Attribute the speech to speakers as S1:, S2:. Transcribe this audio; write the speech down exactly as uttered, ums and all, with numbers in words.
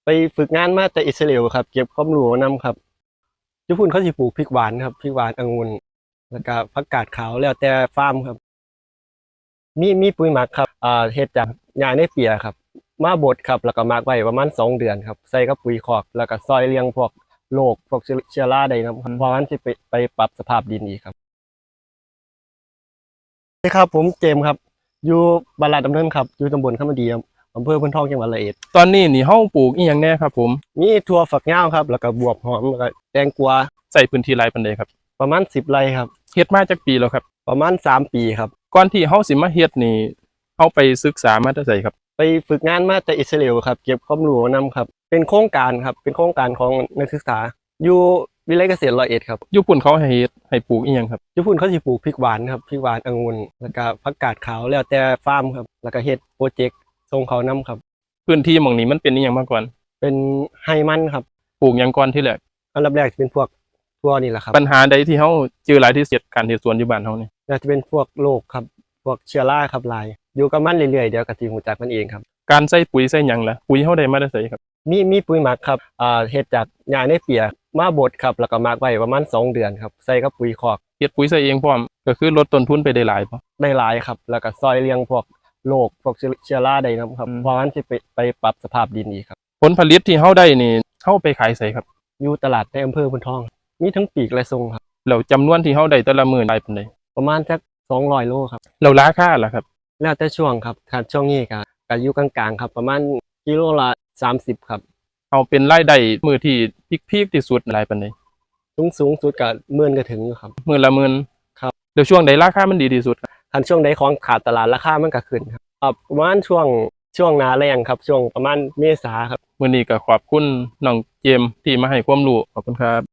S1: ไปฝึกงานมาแต่อิสราเอลครับเก็บความรู้นำครับญี่ปุ่นเขาสิปลูกพริกหวานครับพริกหวานองุ่นแล้วก็ผักกาดขาวแล้วแต่ฟาร์มครับมีมีปุ๋ยหมักครับอ่าเฮ็ดจากหญ้าในเปียครับมาบดครับแล้วก็หมักไว้ประมาณสองเดือนครับใส่กับปุ๋ยคอกแล้วก็ซอยเลี้ยงพวกโรคพวกเชื้อราได้นำครับเพราะงั้นสิไปไปปรับสภาพดินอีกครับสวัสดีครับผมเจมส์ครับอยู่บ้านลาดดำเนินครับอยู่ตำบลคำมะดีอำเภอพนทองจังหวัดร้อยเอ็ด
S2: ตอนนี้นี่เฮาปลูกอีหยังแน่ครับผม
S1: มีถั่วฝักยาวครับแล้วก็บวบหอมแล้วก็แตงกวา
S2: ใส่พื้นที่หลายปานใดครับ
S1: ประมาณสิบไร่ครับ
S2: เฮ็ดมาจักปีแล้วครับ
S1: ประมาณสามปีครับ
S2: ก่อนที่เฮาสิมาเฮ็ดนี่เฮาไปศึกษามาแต่ไสครับ
S1: ไปฝึกงานมาแต่อิสราเอลครับเก็บความรู้นำครับเป็นโครงการครับเป็นโครงการของนักศึกษาอยู่วิทยาลัยเกษตรร้อยเอ็ดครับ
S2: ญี่ปุ่นเขาให้เฮ็ดให้ปลูกอีหยังครับ
S1: ญี่ปุ่นเขาสิปลูกพริกหวานครับพริกหวานองุ่นแล้วก็ผักกาดขาวแล้วแต่ฟาร์มครับแล้วก็เฮ็ดโปรเจกต์ส่งเขานำครับ
S2: พื้นที่หม่องนี้มันเป็นอีหยังมาก่อน
S1: เป็นไฮมันครับ
S2: ปลูกหยังก่อนที่แรก
S1: อันดับแรกจะเป็นพวกทั่วนี่แหละครับ
S2: ปัญหาใดที่เฮาเจอหลายที่สุดการเฮ็ดสวนอยู่บ้านเฮานี่
S1: น่าจะเป็นพวกโรคครับพวกเชื้อราครับหลายอยู่กับมันเรื่อยๆเดี๋ยวก็สิรู้จักมันเองครับ
S2: การใส่ปุ๋ยใส่หยังล่ะปุ๋ยเฮาได้มาแต่ไสครับ
S1: มีมีปุ๋ยหมักครับอ่าเฮ็ดจากหญ้าในเปียมาบดครับแล้วก็หมักไว้ประมาณสองเดือนครับใส่กับปุ๋ยคอก
S2: เฮ็ดปุ๋ยใส่เองพร้อมก็คือลดต้นทุนไปได้หลายบ่
S1: ได้หลายครับแล้วก็ซอยเลี้ยงพวกโรคพวกเชื้อราได้นำครับเพราะงั้นสิไปไปปรับสภาพดินอีกครับ
S2: ผลผลิตที่เฮาได้นี่เฮาไปขายไสครับ
S1: อยู่ตลาดในอำเภอพนทองมีทั้งปีกและส่งครับ
S2: แล้วจำนวนที่เฮาได้แต่ละมื้อหลายปานใด
S1: ประมาณสักสองร้อยโลครับ
S2: แล้วราคาล่ะครับ
S1: แล้วแต่ช่วงครับถ้าช่วงนี้ก็ก็อยู่กลางๆครับประมาณกิโลละสามสิบครับ
S2: เอาเป็นรายได้มื้อที่พีคๆที่สุดหลายปานใด
S1: สูงสูงสุดก็หมื่นก็ถึงอยู่ครับ
S2: มื้อละหมื่น
S1: ครับ
S2: แล้วช่วงใดราคามันดีที่สุดครับ
S1: คันช่วงใดของขาดตลาดราคามันก็ขึ้นครับอ่าประมาณช่วงช่วงหน้าแล้งครับช่วงประมาณเมษาครับ
S2: มื้อนี้ก็ขอบคุณน้องเจมส์ที่มาให้ความรู้ขอบคุณครับ